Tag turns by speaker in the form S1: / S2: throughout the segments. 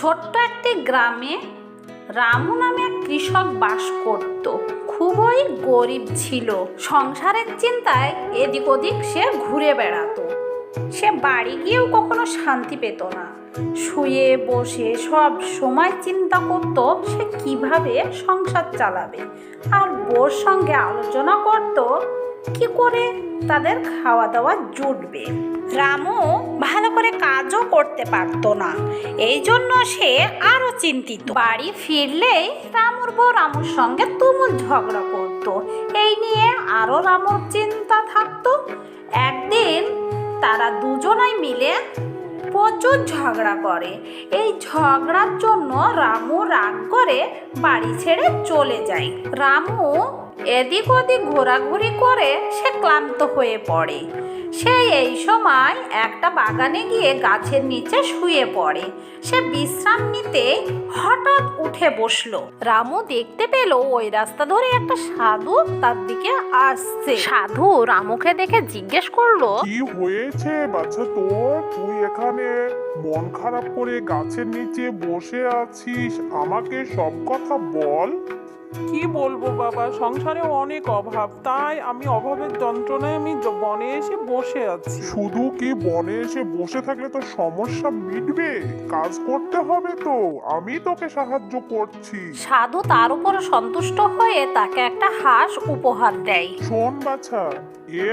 S1: ছোট্ট একটি গ্রামে রামু নামে এক কৃষক বাস করত। খুবই গরিব ছিল। সংসারের চিন্তায় এদিক ওদিক সে ঘুরে বেড়াতো। সে বাড়ি গিয়েও কখনো শান্তি পেত না। শুয়ে বসে সব সময় চিন্তা করত সে কিভাবে সংসার চালাবে, আর বউর সঙ্গে আলোচনা করত কি করে তাদের খাওয়া দাওয়া জুটবে। রামু ভালো করে কাজও করতে পারতো না, এই জন্য সে আরো চিন্তিত। বাড়ি ফিরলেই রামুর বউ রামুর সঙ্গে তুমুল ঝগড়া করত। এই নিয়ে আরো রামুর চিন্তা থাকতো। একদিন তারা দুজনাই মিলে প্রচুর ঝগড়া করে। এই ঝগড়ার জন্য রামু রাগ করে বাড়ি ছেড়ে চলে যায়। রামু এদিক ওদিক ঘোরাঘুরি করে সে ক্লান্ত হয়ে পড়ে। সে এই সময় একটা বাগানে গিয়ে গাছের নিচে শুয়ে পড়ে। সে বিশ্রাম নিতে হঠাৎ উঠে বসলো। রামু দেখতে পেল ওই রাস্তা ধরে একটা সাধু তার দিকে আসছে। সাধু রামুকে দেখে জিজ্ঞেস করলো,
S2: কি হয়েছে বাচ্চা তোর? তুই এখানে মন খারাপ করে গাছের নিচে বসে আছিস, আমাকে সব কথা বল।
S3: কি বলবো বাবা, সংসারে অনেক অভাব, তাই আমি অভাবের যন্ত্রণায় আমি বনে এসে বসে আছি।
S2: শুধু কি বনে এসে বসে থাকলে তো সমস্যা মিটবে? কাজ করতে হবে তো, আমি তোকে সাহায্য করছি।
S1: সাধু তার উপর সন্তুষ্ট হয়ে তাকে একটা হাঁস উপহার দেয়।
S2: শোন বাছা, এ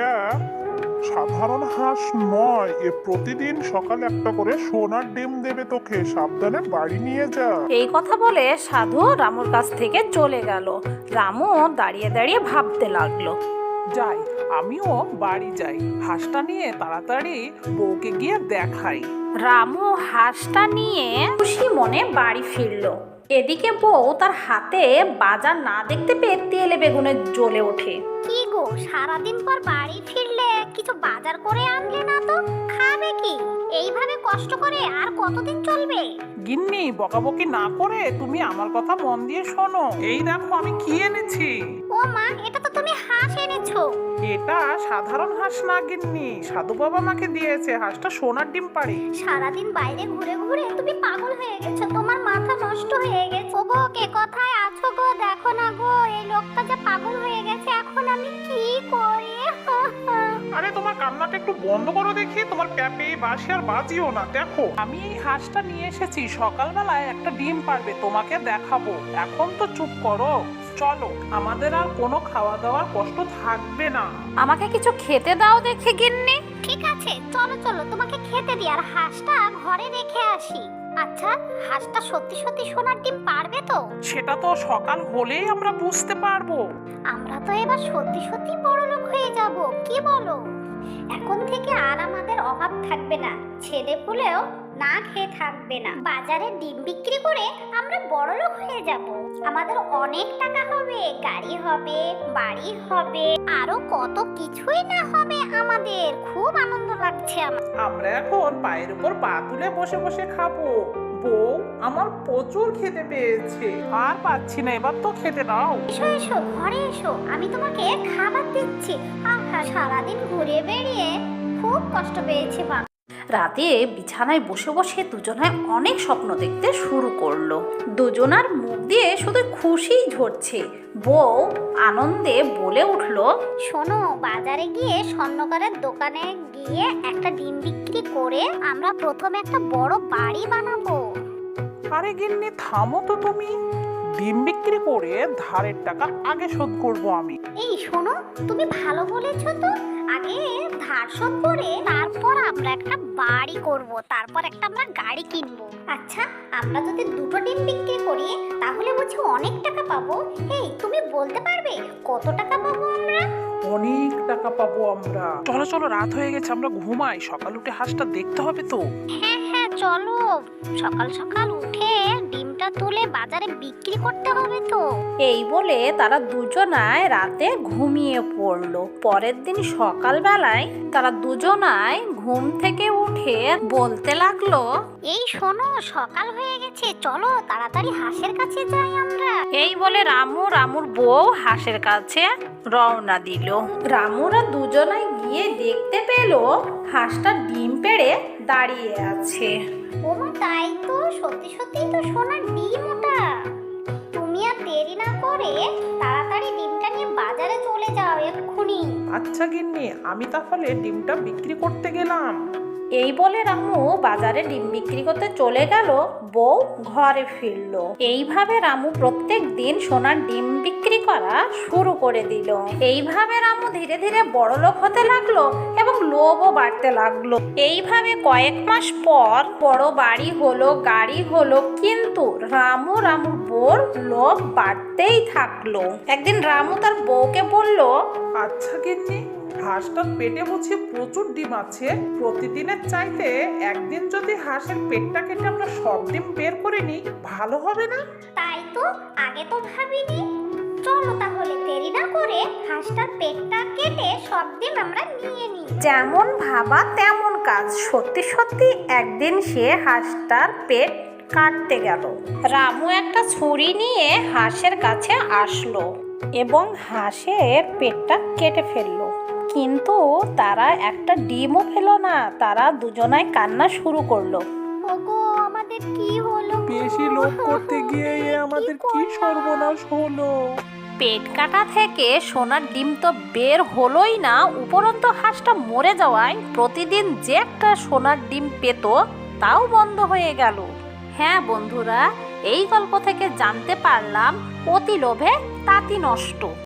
S2: সাধারণ হাঁস নয়, এ প্রতিদিন সকালে একটা করে সোনার ডিম দেবে তোকে, সাবধানে বাড়ি নিয়ে যা।
S1: এই কথা বলে সাধু রামুর কাছ থেকে চলে গেল। রামু দাঁড়িয়ে দাঁড়িয়ে ভাবতে লাগলো।
S3: যাই, আমিও বাড়ি যাই, হাঁসটা নিয়ে তাড়াতাড়ি বউকে গিয়ে দেখাই।
S1: রামু হাঁসটা নিয়ে খুশি মনে বাড়ি ফিরলো। এদিকে বউ তার হাতে বাজার না দেখতে পেয়ে তেলে বেগুনে জ্বলে ওঠে।
S4: কি গো, সারাদিন পর বাড়ি ফিরলে কিছু বাজার করে আনলে না তো? খাবে কি? এইভাবে কষ্ট করে আর কতদিন চলবে?
S3: গিন্নি, বকাবকি না করে তুমি আমার কথা মন দিয়ে শোনো। এই দেখো আমি কি এনেছি।
S4: ও মা, এটা তো তুমি হাঁস এনেছো।
S3: এটা সাধারণ হাঁস না গিন্নি, সাধু বাবা আমাকে দিয়েছে। হাঁসটা সোনার ডিম পাড়ে।
S4: সারাদিন বাইরে ঘুরে ঘুরে তুমি পাগল হয়ে গেছো, তোমার মাথা নষ্ট হয়ে গেছে। ও গো, কে কোথায় আছো গো? দেখো না গো, এই লোকটা যে পাগল হয়ে গেছে, এখন আমি কি করি?
S3: আরে তোমার কান্নাটা একটু বন্ধ করো দেখি, তোমার প্যাপে বাসি আর বাজিও না। দেখো আমি এই হাঁসটা নিয়ে এসেছি, সকালবেলায় একটা ডিম পারবে, তোমাকে দেখাবো। এখন তো চুপ করো, চলো, আমাদের আর কোনো খাওয়া দাওয়ার কষ্ট থাকবে না।
S1: আমাকে কিছু খেতে দাও দেখে গিন্নি।
S4: ঠিক আছে, চলো চলো, তোমাকে খেতে দিই, আর হাঁসটা ঘরে রেখে আসি। আচ্ছা, হাঁসটা সত্যি সত্যি সোনার ডিম পারবে তো?
S3: সেটা তো সকাল হলেই আমরা বুঝতে পারবো।
S4: আমরা তো এবার সত্যি সত্যি বড়লোক হয়ে যাব, কি বলো? এখন থেকে আর আমাদের অভাব থাকবে না, ছেলে পুলেও না খেয়ে থাকবে না। বাজারে ডিম বিক্রি করে আমরা বড়লোক হয়ে যাব। আমাদের অনেক টাকা হবে, গাড়ি হবে, বাড়ি হবে, আরো কত কিছুই না হবে আমাদের। খুব আনন্দ লাগছে আমার।
S3: আমরা এখন পায়ের উপর পা তুলে বসে বসে খাবো। বউ, আমার প্রচুর খেতে পেয়েছে, আর পাচ্ছি না, এবার তো খেতে দাও।
S4: এসো এসো, ঘরে এসো, আমি তোমাকে খাবার দিচ্ছি। আহা, সারাদিন ঘুরে বেরিয়ে খুব কষ্ট পেয়েছি মা।
S1: রাতে বিছানায় বসে বসে দুজনায় অনেক স্বপ্ন দেখতে শুরু করলো। দুজনার মুখ দিয়ে শুধু খুশিই ঝরছে। বউ আনন্দে বলে উঠলো,
S4: শোনো, বাজারে গিয়ে স্বর্ণকারের দোকানে গিয়ে একটা ডিম বিক্রি করে আমরা প্রথমে একটা বড় বাড়ি বানাবো।
S3: আরে গিন্নি, থামো তো তুমি। ডিম বিক্রি করে ধারের টাকা আগে শোধ করব আমি।
S4: এই শোনো, তুমি ভালো বলেছো তো। আগে ধার শোধ করে তারপর আমরা একটা বাড়ি করব, তারপর একটা আমরা গাড়ি কিনবো। আচ্ছা, আমরা যদি দুটো ডিম বিক্রি করি তাহলে বুঝি অনেক টাকা পাবো? এই, তুমি বলতে পারবে কত টাকা পাবো আমরা?
S3: অনেক টাকা পাবো আমরা। চলো চলো, রাত হয়ে গেছে, আমরা ঘুমাই, সকাল উঠে হাঁসটা দেখতে হবে তো।
S4: হ্যাঁ হ্যাঁ, চলো, সকাল সকাল উঠে ডিমটা তুলে বাজারে বিক্রি করতে হবে তো।
S1: এই বলে তারা দুজনায় রাতে ঘুমিয়ে পড়লো। পরের দিন সকালবেলায় তারা দুজনায় ঘুম থেকে উঠে বলতে লাগলো,
S4: এই শোনো, সকাল হয়ে গেছে, চলো তাড়াতাড়ি হাঁসের কাছে যাই আমরা।
S1: এই বলে রামু রামুর বউ হাঁসের কাছে রওনা দিল। রামুরা দুজনায় গিয়ে দেখতে পেল হাঁসটা ডিম পেড়ে দাঁড়িয়ে আছে।
S4: ওমা তাই তো, সত্যি সত্যি তো সোনার ডিম ওটা। তুমি আর দেরি না করে তাড়াতাড়ি ডিমটা নিয়ে বাজারে চলে যাও এক্ষুনি।
S3: আচ্ছা গিন্নি, আমি তাহলে ডিমটা বিক্রি করতে গেলাম।
S1: এই বলে রামু বাজারে ডিম বিক্রি করতে চলে গেল, বউ ঘরে ফিরল। এইভাবে রামু প্রত্যেক দিন সোনার ডিম বিক্রি করা শুরু করে দিল। এইভাবে রামু ধীরে ধীরে বড়লোক হতে লাগলো এবং লোভও বাড়তে লাগলো। এইভাবে কয়েক মাস পর বড় বাড়ি হলো, গাড়ি হলো, কিন্তু রামুর বউর লোভ বাড়তেই থাকলো। একদিন রামু তার বউকে বলল,
S3: আচ্ছা গিন্নি, হাঁসটার পেটে বুঝি প্রচুর ডিম আছে। প্রতিদিনের চাইতে একদিন যদি হাঁসের পেটটা কেটে আমরা সব ডিম বের করে নিই, ভালো হবে না?
S4: তাই তো, আগে তো ভাবিনি। চলো তাহলে দেরি না করে হাঁসটার পেটটা কেটে সব ডিম আমরা নিয়ে নিই।
S1: যেমন ভাবা তেমন কাজ। সত্যি সত্যি একদিন সে হাঁসটার পেট কাটতে গেল। রামু একটা ছুরি নিয়ে হাঁসের কাছে আসলো এবং হাঁসের পেটটা কেটে ফেললো, কিন্তু তারা একটা ডিমও ফেলো না। তারা দুজনাই কান্না শুরু করলো।
S4: ওগো, আমাদের কি হলো?
S3: বেশি লোভ করতে গিয়ে আমাদের কি সর্বনাশ হলো।
S1: পেট কাটা থেকে সোনার ডিম তো বের হলোই না, উপরন্ত হাঁসটা মরে যাওয়ায় প্রতিদিন যে একটা সোনার ডিম পেত তাও বন্ধ হয়ে গেল। হ্যাঁ বন্ধুরা, এই গল্প থেকে জানতে পারলাম অতি লোভে তাঁতি নষ্ট।